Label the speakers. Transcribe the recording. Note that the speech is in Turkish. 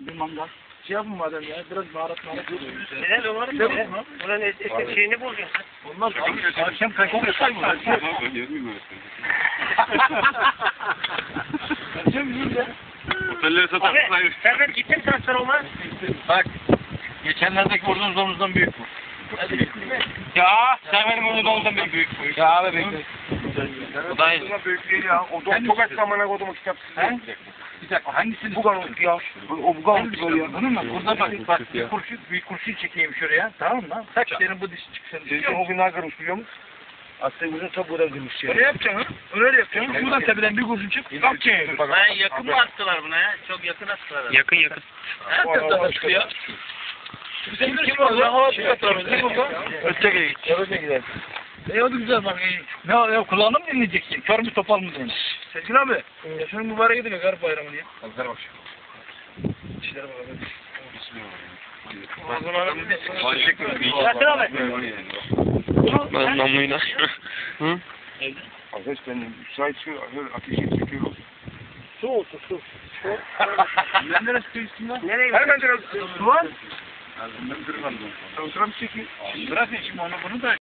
Speaker 1: Bir mangal. Şey yapın madem ya, biraz baharat oluyor.
Speaker 2: Neler olur mu? Ulan şeyini bulacaksın.
Speaker 1: Olmaz. Akşam kaçta sayma. Akşam yiyeyim ya.
Speaker 3: Otelleri satar.
Speaker 2: Abi sen ben gittin transfer olmaz.
Speaker 1: Bak. Geçenlerdeki vurduğunuz omuzdan büyük mü?
Speaker 2: Ya sen benim omuzdan büyük.
Speaker 1: Ya abi bekle.
Speaker 3: O da
Speaker 2: Büyük değil ya. O çok aç zamana koydum o kitap.
Speaker 1: He? Bir dakika hangisini?
Speaker 2: Bugan ya. O bugan
Speaker 1: Böyle bunun mu? Burada bak bir kurşun çekeyim şuraya. Tamam mı? Kaç senin bu dişi çıksın diye.
Speaker 2: O gün ne kırmış biliyor musun? Aslında uzun tabuğuna kırmış ya.
Speaker 1: Öyle yapacaksın ha? Öyle yapacaksın. Şuradan tepeden bir kurşun çık. Bak ki.
Speaker 4: Ben yakın mı attılar buna ya? Çok yakın attılar.
Speaker 2: Yakın.
Speaker 1: Nereden çıktı ya? Bizim kim var lan? Hava çıkartalım. Kim oldu?
Speaker 2: Öteki git.
Speaker 1: Öyle gidelim. O güzel bak. Ne ya kulağını mı dinleyeceksin? Kör mü topal mı diyorsun? Sezgin abi. Ya şunun mübarek edin ya garip bayramını ya.
Speaker 3: Ver bak.
Speaker 1: İşlere bakalım.
Speaker 2: Yakın abi.
Speaker 3: Ben namluyla. Hı?
Speaker 2: Arkadaş ben müsait şu ateşi çekiyorum.
Speaker 1: Su olsun su. Ben neresi su lan?
Speaker 2: Nereye gidiyorsun? Hemen biraz.
Speaker 1: Su var.
Speaker 2: Ben kırmadım. Oturam çekeyim.
Speaker 1: Bırakın şimdi onu bunu da.